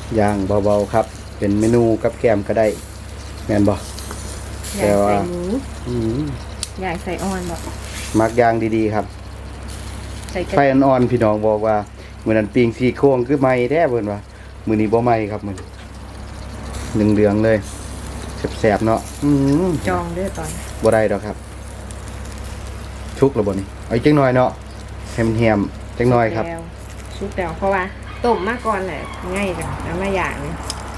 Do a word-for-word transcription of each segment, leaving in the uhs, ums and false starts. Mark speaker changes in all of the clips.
Speaker 1: ย่างเบาๆครับเป็นเมนูกับแกมก็ได้แม่นบ่แต่ว่าอืม
Speaker 2: ใหญ่ใส่อ่อนบ่
Speaker 1: มักย่างดีๆครับไฟอ่อนๆพี่น้องบอกว่ามื้อนั้นปิ้งซี่โครงคือใหม่แท้เพิ่นว่ามื้อนี้บ่ใหม่ครับมื้อเหลืองๆเลยแซ่บๆเนาะอืม
Speaker 2: จองเด้อตอน
Speaker 1: บ่ได้ดอกครับชุกแล้วบ่นี่เอาอีกจังหน่อยเนาะแฮมๆจังหน่อยครับ
Speaker 2: ชุกแล้วเพราะว่าต้มมาก่อนแหละง่ายจังแล้วมาอย่างนี่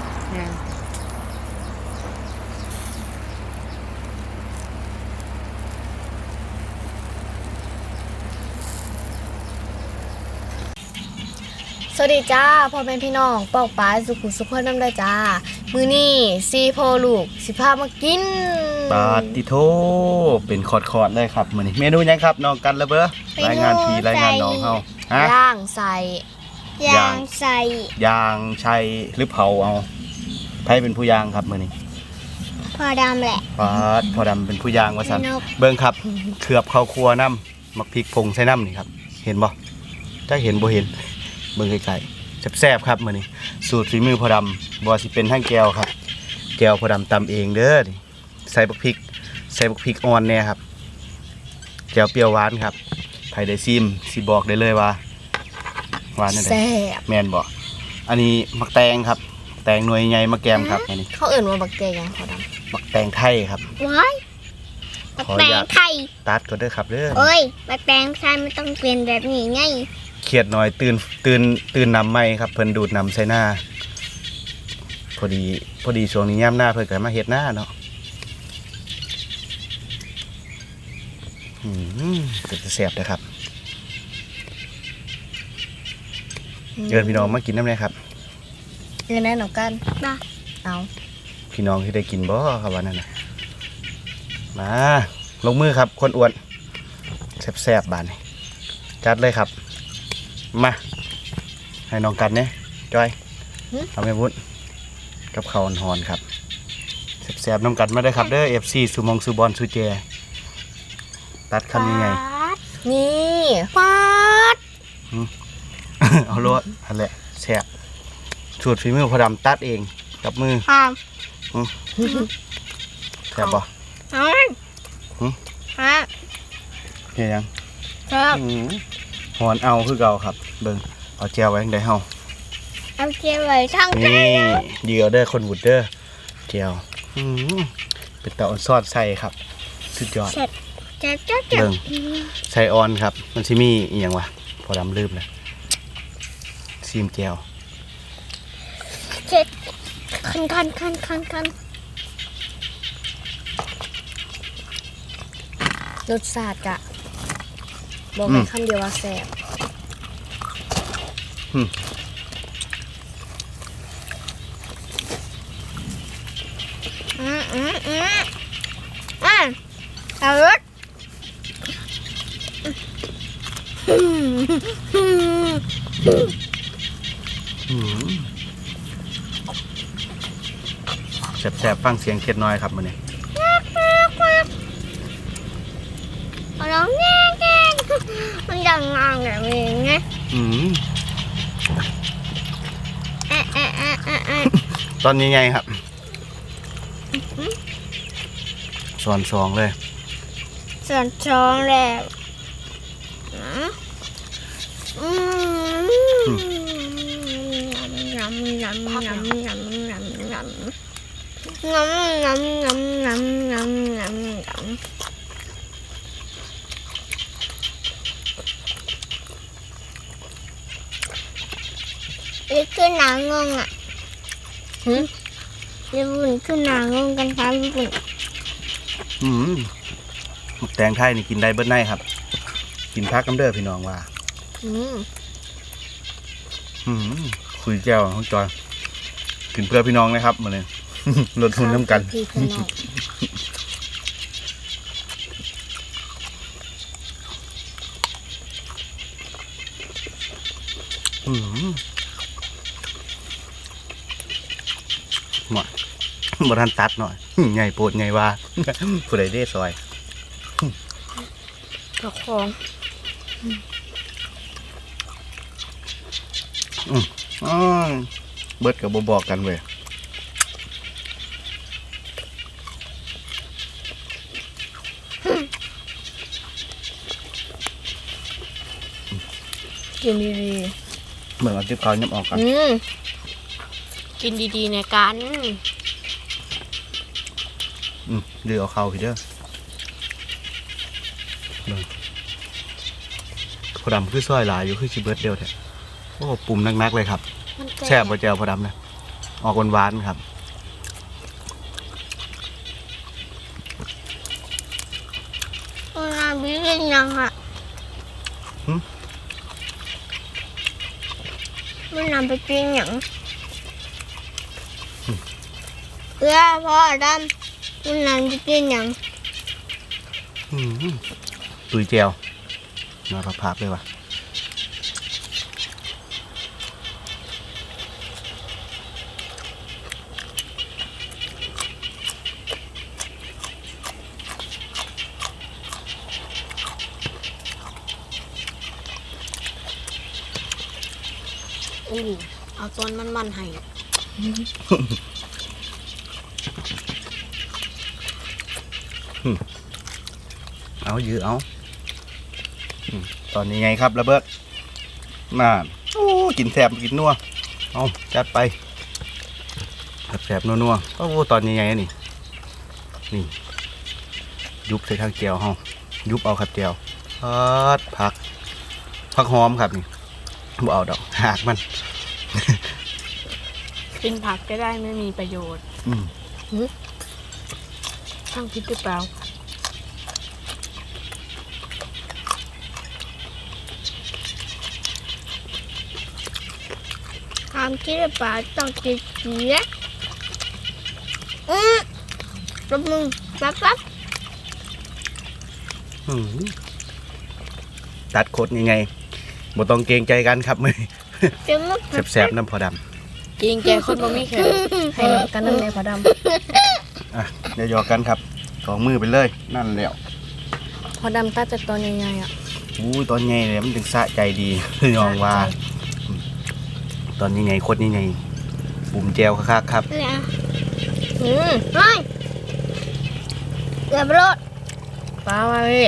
Speaker 3: สวัสดีจ้าพ่อแม่พี่น้องปอกปลาสุขุสุขคนน้ำได้จ้ามือนี่ซีโพลูกสิพามากิน
Speaker 1: ปาติโทเป็นคอดๆเลยครับมื้อนี้เมนูหยังครับน้องกันละเบ้อรายงานพี่รายงานน้องเฮา
Speaker 3: ฮะย่างใส่
Speaker 1: ย่างใส่ย่างใช้หรือเผาเอาไผเป็นผู้ย่างครับมื้อนี้
Speaker 3: พ่อดำแหละ
Speaker 1: ปาดพ่อดำเป็นผู้ย่างว่าซั่นเบิ่งครับเขือบข้าวคั่วน้ำมักพริกผงใส่น้ำนี่ครับเห็นบ่ถ้าเห็นบ่เห็นเบิ่งไกลๆแซ่บๆครับมื้อนี้สูตรฝีมือพ่อดำบ่สิเป็นทั้งแก้วครับแก้วพ่อดำตำเองเด้อใส่บักพริกใส่บักพริกอ่อนแน่ครับแก้วเปรี้ยวหวานครับไผได้ซิมสิบอกได้เลยว่าหวานนั่นแหละ
Speaker 3: แซ่บ
Speaker 1: แม่นบ่อันนี้มักแตงครับแตงหน่วยใหญ่มาแกมครับอันนี้
Speaker 3: เขาเอิ่นว่าบักแตงยังพ่อด
Speaker 1: ำมักแตงไทยครับ
Speaker 3: ว้ายบักแตงไทย
Speaker 1: ตัดก็ได้ครับเด้อ
Speaker 3: เอ้ยบักแตงไทยไม่ต้องเป็นแบบนี้ไง
Speaker 1: เครียดหน่อยตื่นตื่นตื่นนำไหมครับเพิ่นดูดนำใส่หน้าพอดีพอดีช่วงนี้ย่ำหน้าเพิ่นก็มาเฮ็ดหน้าเนาะอืมเป็นแซ่บนะครับเชิญพี่น้องมากินน้ำเลยครับ
Speaker 3: เชิญแน่หนูกันมาเอา
Speaker 1: พี่น้องที่ได้กินบ่ครับวันนั้นนะมาลงมือครับคนอ้วนแซ่บๆบานนี้จัดเลยครับมาให้น้องกันเนี่ยจอยเอาแม่วุ้นกับข้าวหอนครับแซ่บๆน้องกันมาได้ครับเด้อเอฟซีสุมงสุบอลสุเจตัดคำยังไง
Speaker 3: นี่ฟาด
Speaker 1: เอาโลดอันแหละแซ่บสูตรฝีมือพอดำตัดเองกับมือแซ่บป่ะ
Speaker 3: ฮะ
Speaker 1: เฮียยัง
Speaker 3: ครับ
Speaker 1: หอนเอาคือเก่าครับเบิ่งเอาเจียวไว้ได้เฮา
Speaker 3: เอาเจียวไว้ทั้ง
Speaker 1: นี่เดียวเด้อคนบุดเด้อเจียวเป็นเต่าซอสใส่ครับสุดยอดเบิ่งใส่ออนครับมันซิมีอีหยังวะพอดำลืมเลยซีมเจียว
Speaker 3: เจ็ดคันคันคันคันคันรสชาติกะบอกในคำเดียวว่าแซ่บอืมอืมอืมอืมอ่ะเอารส
Speaker 1: แซ่บๆฟังเสียงเค็ดน้อยครับมันนี่
Speaker 3: ร้องแง่แง่มันดังงางแบบนี้ไง
Speaker 1: ตอนนี้ไงครับส่วนสองเลย
Speaker 3: ส่วนสองแล้วอืมยำยำยำยำยำยำยำงำงำงำงำงำงำงำนี่คือหนางงอ่ะหืมญี่ปุ่นคือหนางงกันครับญี่ปุ่น
Speaker 1: อืมแตงไทยนี่กินได้เบิ้ลไนครับกินพักน้ำเด้อพี่น้องว่าอืมอืมคุยแก้วของจอยกินเพื่อพี่น้องนะครับมาเลยลดทุนน้ำกันอืมหมดบทันตัดหน่อยไงโปวดไงว่าผู้ใดได้ซอย
Speaker 3: กระคอง
Speaker 1: อืมเบิดกับบ่บอกกันเว้ย
Speaker 2: กินดี
Speaker 1: เหมือนเอาจิ๊บเขายับออกกัน
Speaker 2: ๆอืมกินดีๆในกัน
Speaker 1: อืมเดือเอาเข้าพี่เด้อเบิ่งพอดำคือซอยหลายอยู่คือชิเบิร์ดเดียวแท้โอ้ปุ่มนักๆเลยครับ
Speaker 2: มัน
Speaker 1: แซ่บบ่แจ่วพอดำนะออกหวานๆครับ
Speaker 3: มันนำไปกินยังอ่ะมันนำไปกินยังเพื่อพ่อดำมันนำไปกินยัง
Speaker 1: อืมตุยแจ่วมาผับๆเลยว่ะ
Speaker 2: อู้เอาต้นมันๆให้
Speaker 1: เอายื้อเอาอืมตอนนี้ไงครับระเบิดน่าโอ้กินแสบกินนัวเอาจัดไปแสบๆนัวๆโอ้ตอนนี้ไงนี่นี่ยุบใส่ทางแก้วเฮายุบเอาครับแก้วพัดผักผักหอมครับนี่บ่เอาดอกหากมัน
Speaker 2: กินผักก็ได้ไม่มีประโยชน์
Speaker 1: อืม
Speaker 2: ช่างคิดหรือเปล่า
Speaker 3: ความคิดหรือเปล่าต้องกินเสียอืมรบมือปั๊บปั๊บ
Speaker 1: อืมตัดโคตรยังไงบ่ต้องเกรงใจกันครับมือ
Speaker 3: เดี๋ยวมัน
Speaker 1: แสบๆน้ำพอด
Speaker 2: กินแกคนบ่มีแขนให้น้ำกันน้ำในพอด
Speaker 1: ำอ่ะเดี๋ยวหยอกกันครับสองมือไปเลยนั่นแหล้ว
Speaker 2: ำพอดำตัดจากตอนใหญ่ๆอ่ะ
Speaker 1: อู้ยตอนใหญ่เลยมันถึงสะใจดี คือยองว่า ตอนนี้ไงโคตรนี่ไงปุ่มแจวคักๆครับ
Speaker 3: เนี่ย
Speaker 2: อืม
Speaker 3: เฮ้ยเกือบรถ
Speaker 2: ปลามาพี่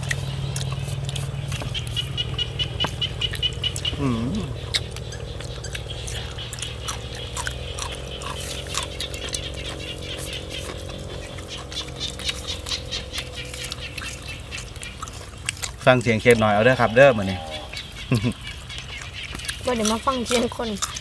Speaker 1: อืมฟังเสียงเค็มหน่อยเอาเด้อครับเด้อมาเนี่ย
Speaker 2: ว่าเดี๋ยวมาฟังเสียงคน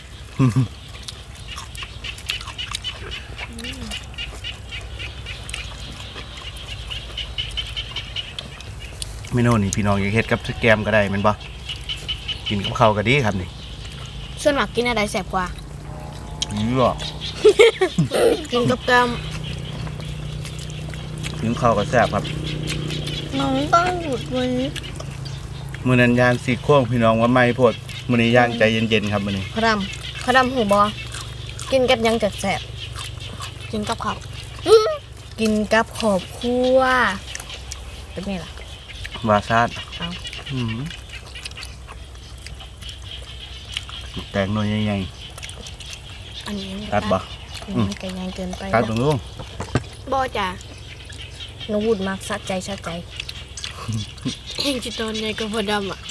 Speaker 1: เมนูนี่พี่น้องอยากเฮ็ดกับแกมก็ได้แมันบ่กินกับข้าวก็ดีครับนี่
Speaker 2: ส่วนมากกินอะไรแสบกว่า
Speaker 1: ยื้อหรอ
Speaker 2: กินกับแกม
Speaker 1: กินข้าวก็แซ่บครับ
Speaker 3: น้องต้องหยุดวันนี้
Speaker 1: มื้อนั้นย่างซี่โครงพี่น้องว่าไม่โพดมื้อนี้ย่างใจเย็นๆครับมื้อนี้
Speaker 2: พอดำพอดำหูบอกินกับหยังจัดแสบกินกับข้าวกินกับขอบครัวเป็นไงล่ะ
Speaker 1: วาซาด
Speaker 2: เอา
Speaker 1: อืมแตงหน่อยใหญ่
Speaker 2: อันนี้
Speaker 1: ๆตัดบ่
Speaker 2: อืมมันไก่ยางเกินไป
Speaker 1: ตัดตรงนู้น
Speaker 2: บอจ้ะนวูดมากสะใจสะใจเองจิตอนใหญ่ก็พอดำอ่ะ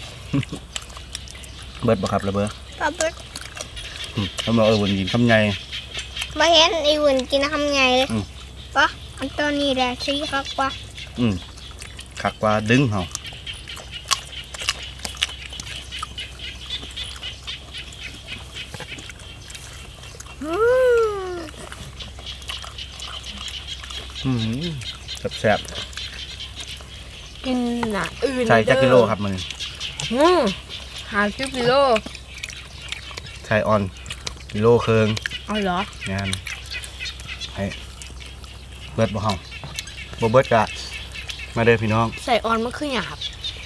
Speaker 1: เบิดบ่ครับระเบ้อ
Speaker 3: ปั๊บปั๊บ
Speaker 1: อืมเขาบอกเออวันกินคำใหญ่
Speaker 3: มาเห็นไอ้หุ่นกินทำไงเลย
Speaker 1: อืม
Speaker 3: ปะอันตัวนี้แหละชี้ครับปะ
Speaker 1: อืมคักกว่าดึงเฮา
Speaker 3: อืม
Speaker 1: อืมแซ่บ
Speaker 2: กินหนาอื่น
Speaker 1: ๆใส่จักกิโลครับมื้อนี้
Speaker 2: อืมหาสิบกิโล
Speaker 1: ใส่ออนกิโลครึ่ง
Speaker 2: เอาเหรอง
Speaker 1: านให้เบิดบ่เฮาบ่เบิดกะมาเด้อพี่น้อง
Speaker 2: ใส่ออนมันคือหยาบ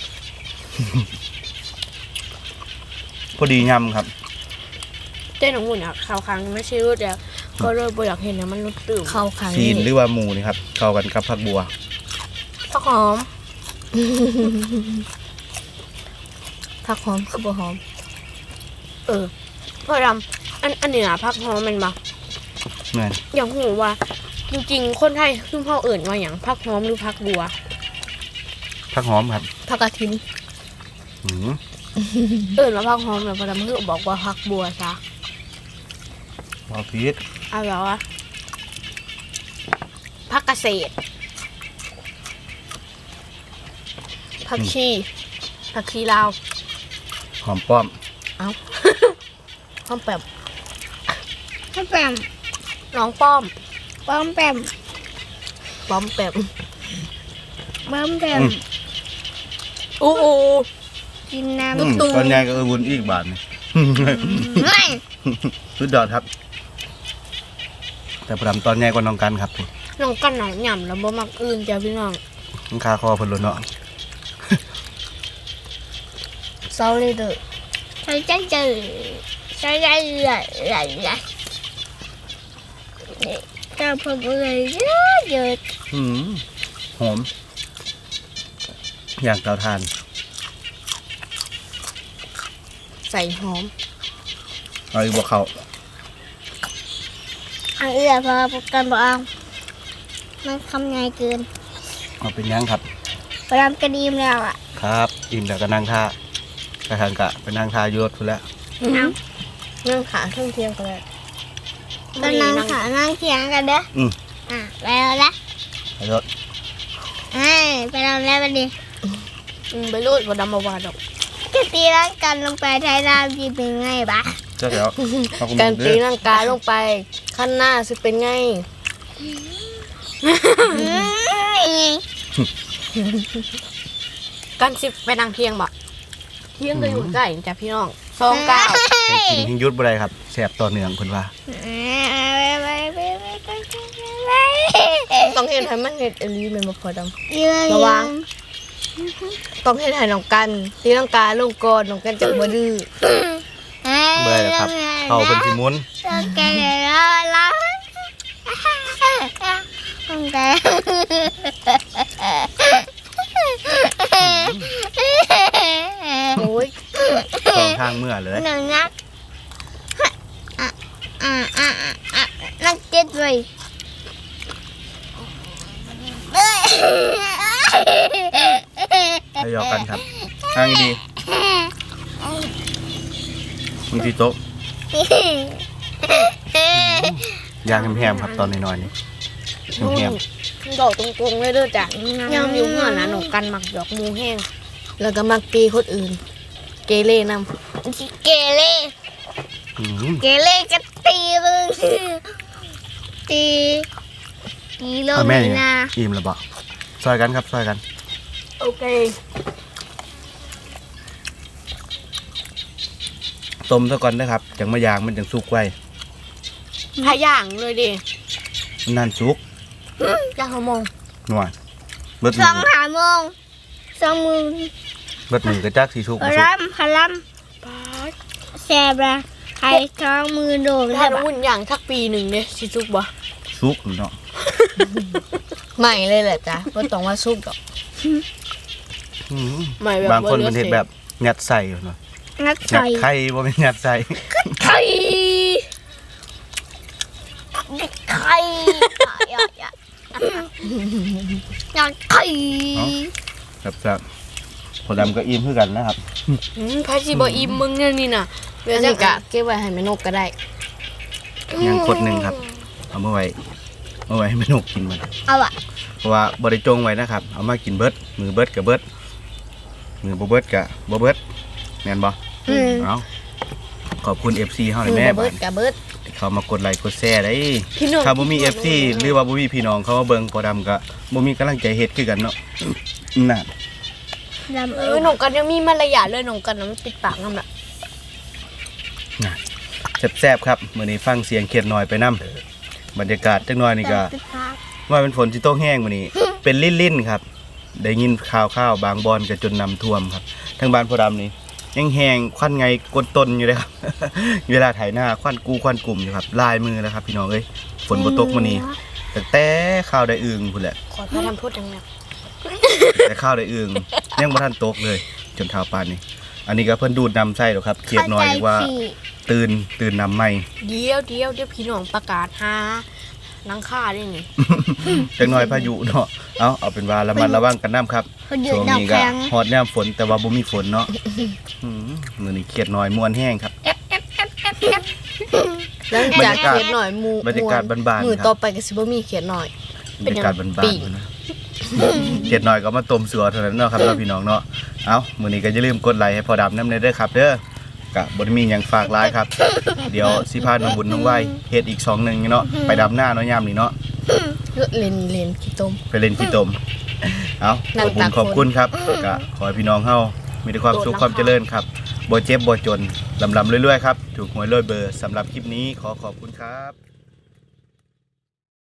Speaker 1: พอดียำครับ
Speaker 2: เต้นของหุ่นอ่ะขาวครั้งไม่ใช่รุดแล้วก็เลยบ่อยากเห็นนะมันรุดตื่นขาวครั้ง
Speaker 1: ซีนหรือว่าหมูนี่ครับเข้ากันกับผักบัว
Speaker 2: ผักหอมผักหอมคือบ่หอม เออพ่อดำอันอันนี้นะผักหอมมันบ่
Speaker 1: แม่น
Speaker 2: อย่างหูว่า จริงๆคนไทยคือพ่อเอิ่นว่าอย่างผักหอมหรือผักบัว
Speaker 1: ผักหอมครับ
Speaker 2: ผักกระถิน
Speaker 1: อืม
Speaker 2: เอิ่นว่าผักหอมแต่พ่อดำคือบอกว่าผักบัวซะ
Speaker 1: บอพีช
Speaker 2: เอาแล้วอะผักเกษตรผักชีผักชีลาว
Speaker 1: หอมป้อม
Speaker 2: เอาป้อมแปม
Speaker 3: ป้อมแปม
Speaker 2: น้องป้อม
Speaker 3: ป้อมแปม
Speaker 2: ป้อมแปม
Speaker 3: ป้อมแปม
Speaker 2: อู้อู
Speaker 3: กินน้
Speaker 1: อืมตอนใหญ่ก็เออวุ้นอีกบาทนี่
Speaker 3: ำไม่
Speaker 1: สุดยอดครับ แต่ประดำตอนใหญ่กว่าน้องกันครับ
Speaker 2: น้องกันหนาวหย่ำแล้วบ่มักอื่นจ้ะพี่น้อง
Speaker 1: มันคาคอเพิ่นโลดเนาะ
Speaker 2: เศร้าเลยเด้อ
Speaker 3: ใช้ใจเจอใช้ใจไหลไหลไหลเจ้าพ่อเลยเยอะเยอะ
Speaker 1: อืมหอม อย่างเตาถ่าน
Speaker 2: ใส่หอม
Speaker 1: เอาอีกบ่เข้า
Speaker 3: อันเอื้อพอกันบอกเอามันคำไงเกิน
Speaker 1: เอาเป็นหยังครับ
Speaker 3: ประดำกระดีมแล้วอ่ะ
Speaker 1: ครับอิ่มแล้วก็นั่งท่ากระทานกะไปนั่งท่าอยศพุ่นแล้ว
Speaker 3: เอา
Speaker 2: นั่งขาเครื่องเคียงกันเลย
Speaker 3: ตอนนั่งขานั่งเถียงกันเด้อ
Speaker 1: อืม
Speaker 3: อ่ะไปแล้วละ
Speaker 1: ไปยศ
Speaker 3: เฮ้ยไปแล้วแล้ววันนี้
Speaker 2: อืมไปรูดบ่ดำบ่วาดอก
Speaker 3: จะตีร่างกันลงไปไทยรามจีเป็นไงบ้า
Speaker 1: เจ้าเดี๋ยวเอาคุณ
Speaker 2: การ
Speaker 1: เด้
Speaker 2: ตี
Speaker 1: อ
Speaker 2: ร่างกายลงไปขั้นหน้าสิเป็นไง การสิไปนั่งเที่ยงบ่เที่ยงก็อยู่ใกล้จ้ะพี่น้องสองเก้า
Speaker 1: ให้กินทิ้งยุดบ่ได้ครับแสบต่อเนื่องเพิ่นว่า
Speaker 3: ไปไปไปไปไปไป
Speaker 2: ต้องเห็นให้มันเห็ดอหลีแม่นบ่พอดำ
Speaker 3: ระ
Speaker 2: ระวัง ต้องเห็นให้น้องกันตีร่างกายลงก่อนน้องกันจะบ่ดื้อ
Speaker 1: บ่ได้ครับเข้าเพิ่นสิหมุน
Speaker 3: ต้องแกแล้วแล้วต้องแก
Speaker 2: โอ้ย
Speaker 1: สองทางเมื่อเลย
Speaker 3: หนึ่งนักอ่ะอ่ะอ่ะอ่ะนักเจ็ดเลย
Speaker 1: ให้ยอกกันครับทางดีมีที่โต๊ะยางแฮมๆครับตอนน้อยๆนี่แฮม
Speaker 2: ดอกตรงๆเลยเด้อจ้ะยามอยู่เมื่อนะน้องกันมักดอกมูแห้งแล้วก็มักตีคนอื่น เกเรนำ
Speaker 3: เกเร
Speaker 1: ๆอืม
Speaker 3: เกเรก็ตีมึงตีตีลง
Speaker 1: เอาแม่นี่
Speaker 3: นะ
Speaker 1: อิ่มแล้วบ่ซอยกันครับซอยกัน
Speaker 2: โอเค
Speaker 1: ต้มซะก่อนนะครับจังมายางมันจังสุกไว้
Speaker 2: ถ้าย่างเลยดิ
Speaker 1: มันนานสุก
Speaker 2: ย่างหัวโมง
Speaker 1: หน่อยเบิด
Speaker 3: ส
Speaker 1: มื
Speaker 3: อ
Speaker 1: อง
Speaker 3: หาโมงสองมือ
Speaker 1: เบิดมือก็จักสิสุก
Speaker 3: พ
Speaker 1: บ่สุก
Speaker 3: ลัมพลัม
Speaker 2: ป๊าด
Speaker 3: แซบละใครท้องมือโด่ง
Speaker 2: ถ้า
Speaker 3: ได้ปะ
Speaker 2: วุ่นย่างทักปีหนึ่งเนี่ยสิซุกบ่
Speaker 1: สุกเนาะ
Speaker 2: ใหม่เลยแหละจ้ะบ่ต้องว่าซุกดอก
Speaker 1: อืม
Speaker 2: ใหม่แบบ
Speaker 1: บางคนมันเห็นแบบยัดใส่เนาะ
Speaker 3: งัด
Speaker 1: ยั
Speaker 3: ใส่
Speaker 1: ดไข่บ่เป็นยัดใส่
Speaker 2: ไข่
Speaker 3: ไข่อยากอยากอยากไข่
Speaker 1: ครับครับผลดำก็อิ่มคือกันนะครับ
Speaker 2: อืมพาสิบ่อิ่มมึงเนี่ยนี่น่ะเดี๋ยวจะกะเก็บไว้ให้แม่นกก็ได้
Speaker 1: ยังขดหนึ่งครับ เอามาไว้เอาไว้ให้แม่นกกินมัน
Speaker 3: เอาอะ
Speaker 1: เพราะว่าบริจงไว้นะครับ เอามากินเบิดมือเบิดกับเบิดมือบ่เบิดกับบ่เบิดแม่นบ่
Speaker 3: อืม
Speaker 1: เอาขอบคุณ เอฟ ซี เฮา
Speaker 2: มื
Speaker 1: เลย
Speaker 2: อ
Speaker 1: แม่
Speaker 2: บ่เบิ
Speaker 1: บั
Speaker 2: ด
Speaker 1: ด
Speaker 2: กะเบิด
Speaker 1: เขามากดไลค์กดแชร์ได้
Speaker 2: พี่น้อง
Speaker 1: ถ้าบ่มี เอฟ ซี หรือว่าบ่มีพี่น้องเขามาเบิ่งพอดำก็บ่มีกำลังใจเฮ็ดคือกันเนาะน่ะ
Speaker 3: ดำ
Speaker 2: เอ
Speaker 3: เอ
Speaker 2: อ
Speaker 3: อ
Speaker 2: หนูกันยังมีมารยาทเลยหนูกันน่ะมันปิดปากนำน่ะ
Speaker 1: น่ะแซ่บๆครับมื้อนี้ฟังเสียงเขียดน้อยไปนํบรรยากาศจักหน่อยนี่ก็ ว่าเป็นฝนที่ตกแห้งวันนี้ เป็นลิ่นๆครับ ได้ยินข่าวข้าวบางบอนก็จนนำท่วมครับทางบ้านพอดำนี่ยังแห้งควันไงกดตนอยู่เลยครับ เวลาถ่ายหน้าควันกูควันกลุ่มอยู่ครับลายมือแล้วครับ พี่น้องเอ้ยฝนบ่ตกวันนี้แต่แต่ข้าวได้อึ่งพุ่นแหละ
Speaker 2: ขอพระทำพูดดังนั้น
Speaker 1: แต่ข้าวได้อึ่งยังบ่ทันตกเลย จนเท้าปานนี้ อันนี้ก็เพิ่นดูดนำไส้หรอกครับเขียดน้อยเรียกว่าตื่นตื่นนำใหม่
Speaker 2: เดี๋ยวเดี๋ยวเดี๋ยวพี่น้องประกาศหานังค่าได้นี่
Speaker 1: จังน้อยพายุเนาะเอาเอาเป็นว่าระมัดระวังกันน้ำครับ
Speaker 3: เขาหยุด
Speaker 1: ช่วง
Speaker 3: ดอก
Speaker 1: นี้
Speaker 3: แข็
Speaker 1: ก็
Speaker 3: ง
Speaker 1: ฮอดย่ำฝนแต่ว่าบ่มีฝนเนาะอืมมื้อนี้เครียดน้อยม่วนแห้งครับ
Speaker 2: หลังจากเขียนหน่อยหมู
Speaker 1: บรรยากาศบ้านๆ
Speaker 2: มือ
Speaker 1: ครับ
Speaker 2: ต่อไปก็สิบ่มีเขียนหน่อย
Speaker 1: บรรยากาศบ้านๆนะเครียดน้อยก็มาต้มสัวเท่านั้นเนาะครับเราพี่น้องเนาะเอามื้อนี้ก็อย่าลืมกดไลค์ให้พอดำนำเด้อครับเด้อกะบ่ได้มีหยังฝากหลายครับ เดี๋ยวสิพาน้องบุญน้องไหวเฮ็ดอีกสองหนึงเนาะไปดำหน้าเนาะยามนี้เนาะ
Speaker 2: เลนเลนขี้ต้ม
Speaker 1: ไปเล่นขี้ตม เอาข
Speaker 2: นั่
Speaker 1: อง บคุ
Speaker 2: ตา
Speaker 1: ณ
Speaker 2: ก
Speaker 1: ขอบคุณครับก็ขอให้พี่น้องเฮามีแต่ความสุขความเจริญครับบ่เจ็บบ่จนลำลำเรื่อยๆครับถูกหวยรวยเบอร์สำหรับคลิปนี้ขอขอบคุณครับ